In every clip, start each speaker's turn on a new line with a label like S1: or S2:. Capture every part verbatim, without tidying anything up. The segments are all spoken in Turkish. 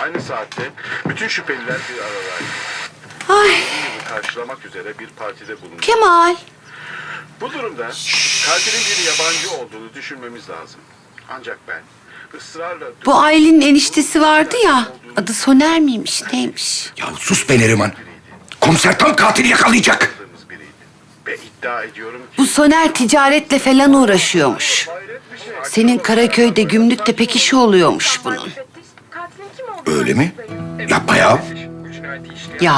S1: Aynı saatte bütün şüpheliler bir aradaydı.
S2: Ay
S1: Karşılamak üzere bir partide bulundu.
S2: Kemal.
S1: Bu durumda katilin bir yabancı olduğunu düşünmemiz lazım. Ancak ben ısrarla...
S2: Bu Aylin'in eniştesi vardı ya. Adı Soner miymiş neymiş?
S3: Ya sus be Neriman. Komiser tam katili yakalayacak.
S1: biriydi. Ve iddia ediyorum ki...
S2: Bu Soner ticaretle falan uğraşıyormuş. Senin Karaköy'de gümrükte pek işi oluyormuş bunun.
S3: Öyle mi? Yapma ya.
S2: Ya.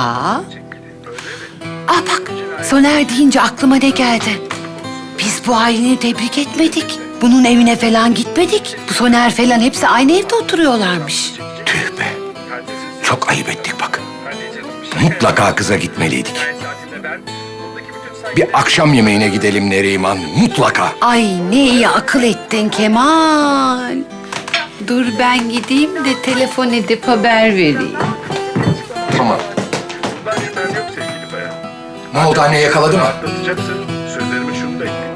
S2: Ah bak Soner deyince aklıma ne geldi? Biz bu Aylin'i tebrik etmedik. Bunun evine falan gitmedik. Bu Soner falan hepsi aynı evde oturuyorlarmış.
S3: Tüh be. Çok ayıp ettik bak. Mutlaka kıza gitmeliydik. Bir akşam yemeğine gidelim Neriman. Mutlaka.
S2: Ay ne iyi akıl ettin Kemal. Dur ben gideyim de telefon edip haber vereyim.
S3: Tamam.
S1: Bundan şüphem yok sevgili bayan.
S3: Ne oldu anne, yakaladı mı?
S1: Atlatacaksın. Sözlerimi şunu da ekle.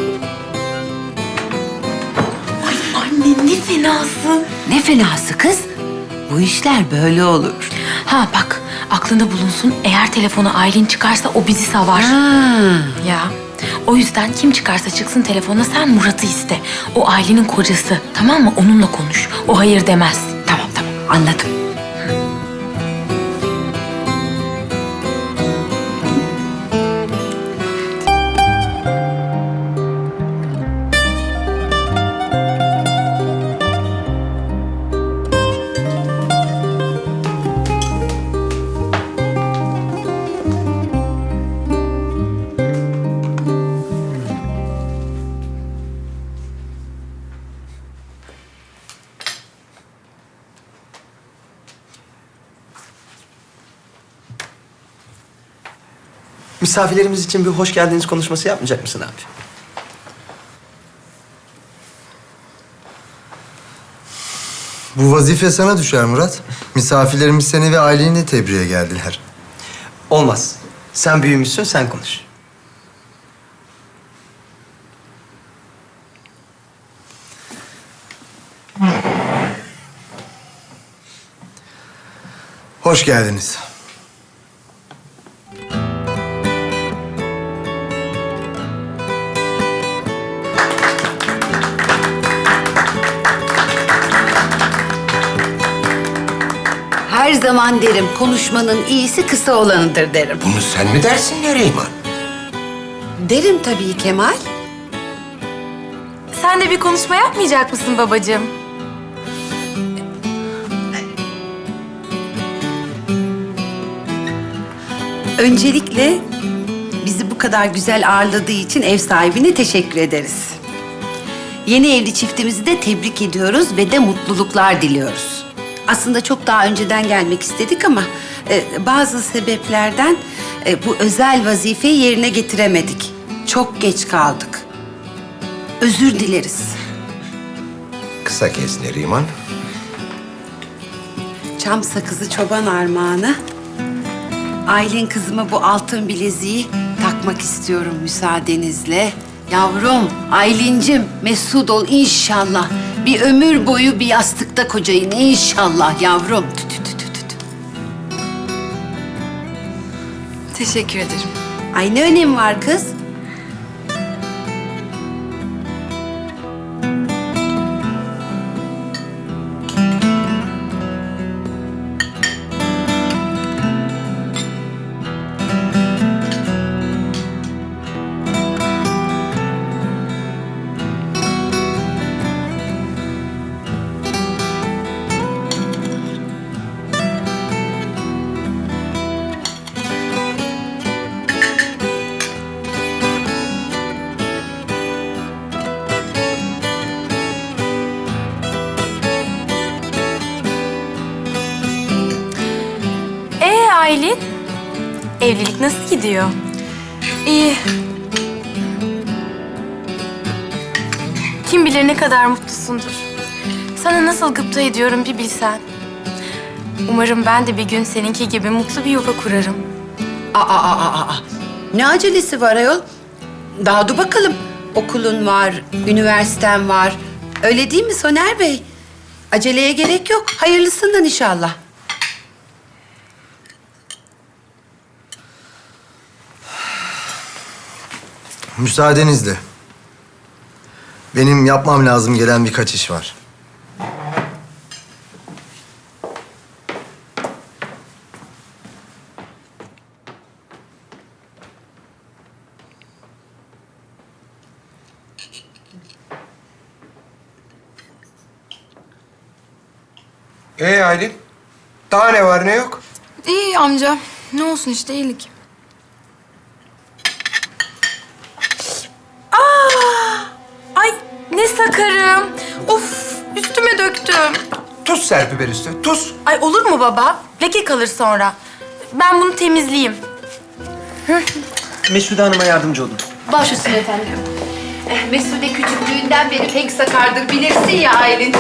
S4: Anne ne fenasın.
S2: Ne fenası kız? Bu işler böyle olur.
S4: Ha bak aklında bulunsun, eğer telefona Aylin çıkarsa o bizi savar.
S2: Ha.
S4: Ya o yüzden kim çıkarsa çıksın telefona sen Murat'ı iste. O Aylin'in kocası, tamam mı? Onunla konuş. O hayır demez.
S2: Tamam tamam anladım.
S5: Misafirlerimiz için bir hoş geldiniz konuşması yapmayacak mısın abi?
S6: Bu vazife sana düşer Murat. Misafirlerimiz seni ve aileni tebriğe geldiler.
S5: Olmaz. Sen büyümüşsün, sen konuş.
S6: Hoş geldiniz.
S2: Her zaman derim konuşmanın iyisi kısa olanıdır derim.
S3: Bunu sen mi dersin Neriman?
S2: Derim tabii Kemal.
S4: Sen de bir konuşma yapmayacak mısın babacığım?
S2: Öncelikle bizi bu kadar güzel ağırladığı için ev sahibine teşekkür ederiz. Yeni evli çiftimizi de tebrik ediyoruz ve de mutluluklar diliyoruz. Aslında çok daha önceden gelmek istedik ama e, bazı sebeplerden e, bu özel vazifeyi yerine getiremedik. Çok geç kaldık. Özür dileriz.
S3: Kısa kes Neriman.
S2: Çam sakızı çoban armağanı. Aylin kızıma bu altın bileziği takmak istiyorum müsaadenizle. Yavrum, Aylincim mesut ol inşallah. Bir ömür boyu bir yastıkta kocayın inşallah yavrum. Tü tü tü tü tü.
S4: Teşekkür ederim.
S2: Ay ne önemi var kız?
S4: Ee Aylin, evlilik nasıl gidiyor? İyi. Kim bilir ne kadar mutlusundur. Sana nasıl gıpta ediyorum bir bilsen. Umarım ben de bir gün seninki gibi mutlu bir yuva kurarım.
S2: Aa, aa, aa, aa. Ne acelesi var ayol? Daha dur bakalım. Okulun var, üniversiten var. Öyle değil mi Soner Bey? Aceleye gerek yok. Hayırlısından inşallah.
S6: Müsaadenizle. Benim yapmam lazım gelen birkaç iş var.
S3: Ee Aylin? Daha ne var ne yok?
S4: İyi amca. Ne olsun işte iyilik. Aa! Ay ne sakarım. Of üstüme döktüm.
S3: Tuz serpi ver üstüne, tuz.
S4: Ay olur mu baba? Leke kalır sonra. Ben bunu temizleyeyim.
S5: Mesude Hanım'a yardımcı olun.
S2: Baş üstüne efendim. Eh, Mesude küçüklüğünden beri pek sakardır. Bilirsin ya Aylin.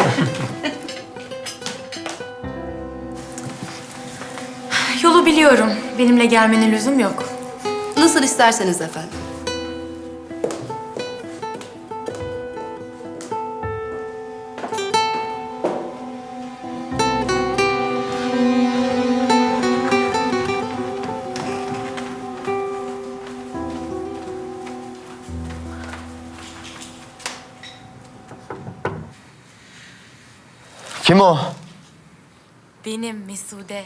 S4: Yolu biliyorum. Benimle gelmene lüzum yok.
S2: Nasıl isterseniz efendim.
S5: Kim o?
S4: Benim Mesude.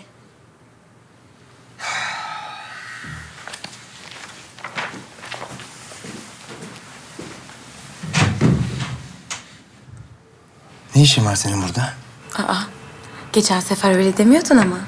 S6: Ne işin var senin burada?
S4: Aa, geçen sefer öyle demiyordun ama.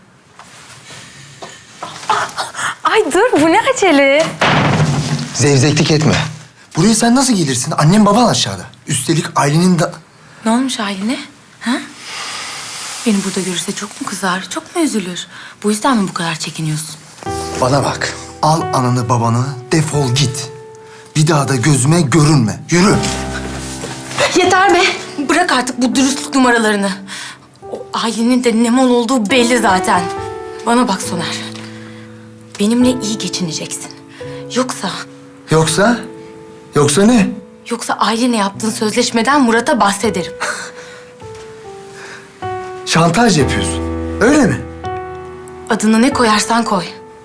S4: Ay dur, bu ne acele?
S6: Zevzeklik etme. Buraya sen nasıl gelirsin? Annem baban aşağıda. Üstelik ailenin da...
S4: Ne olmuş haline? Ha? Beni burada görürse çok mu kızar, çok mu üzülür? Bu yüzden mi bu kadar çekiniyorsun?
S6: Bana bak. Al ananı babanı, defol git. Bir daha da gözüme görünme. Yürü.
S4: Yeter be! Bırak artık bu dürüstlük numaralarını. O ailenin de ne mal olduğu belli zaten. Bana bak Soner. Benimle iyi geçineceksin. Yoksa,
S6: Yoksa? Yoksa ne?
S4: yoksa ailenle yaptığın sözleşmeden Murat'a bahsederim.
S6: Şantaj yapıyorsun. Öyle mi?
S4: Adını ne koyarsan koy.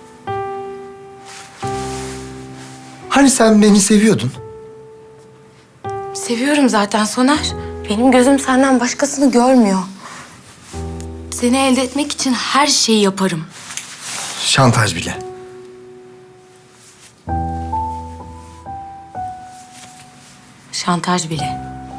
S6: Hani sen beni seviyordun?
S4: Seviyorum zaten Soner. Benim gözüm senden başkasını görmüyor. Seni elde etmek için her şeyi yaparım.
S6: Şantaj bile.
S4: Şantaj bile.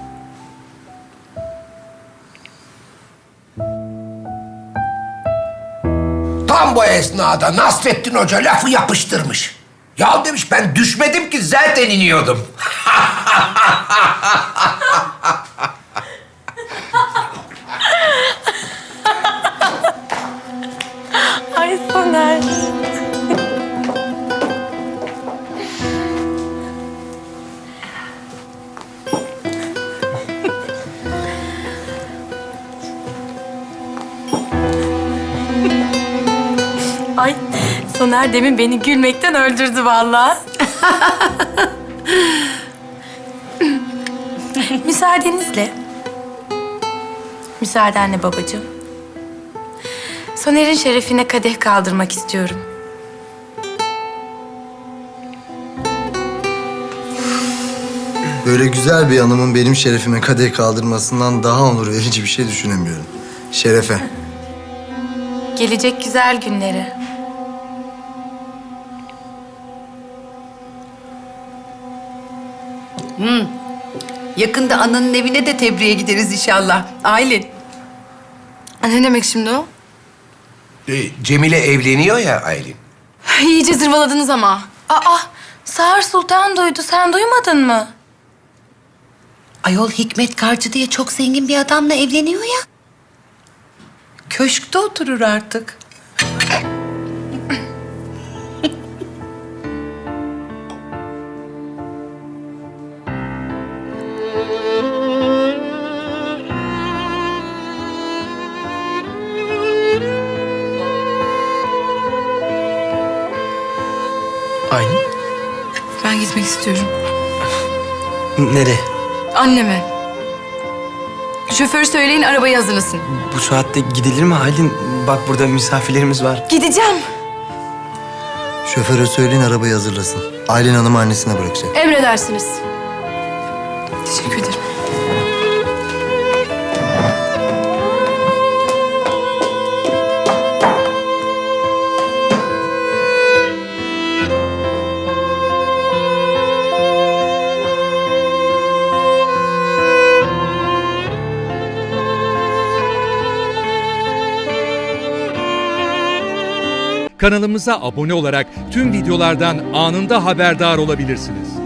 S3: Tam bu esnada Nasrettin Hoca lafı yapıştırmış. Ya demiş ben düşmedim ki zaten iniyordum.
S4: Ay Soner. Ay Soner demin beni gülmekten öldürdü vallahi. Müsaadenizle. Müsaadenle babacığım. Soner'in şerefine kadeh kaldırmak istiyorum.
S6: Böyle güzel bir hanımın benim şerefime kadeh kaldırmasından daha onur verici bir şey düşünemiyorum. Şerefe.
S4: Gelecek güzel günleri.
S2: Yakında ananın evine de tebriğe gideriz inşallah. Aylin.
S4: Ne demek şimdi o?
S3: Ee, Cemile evleniyor ya Aylin.
S4: İyice zırvaladınız ama. Aa, Sağır Sultan duydu. Sen duymadın mı?
S2: Ayol Hikmet Karcı diye çok zengin bir adamla evleniyor ya. Köşkte oturur artık.
S5: Aylin.
S4: Ben gitmek istiyorum.
S5: Nereye?
S4: Anneme.
S7: Şoförü söyleyin arabayı hazırlasın.
S5: Bu saatte gidilir mi Aylin? Bak burada misafirlerimiz var.
S4: Gideceğim.
S6: Şoföre söyleyin arabayı hazırlasın. Aylin Hanım annesine bırakacak.
S7: Emredersiniz. Teşekkür ederim.
S8: Kanalımıza abone olarak tüm videolardan anında haberdar olabilirsiniz.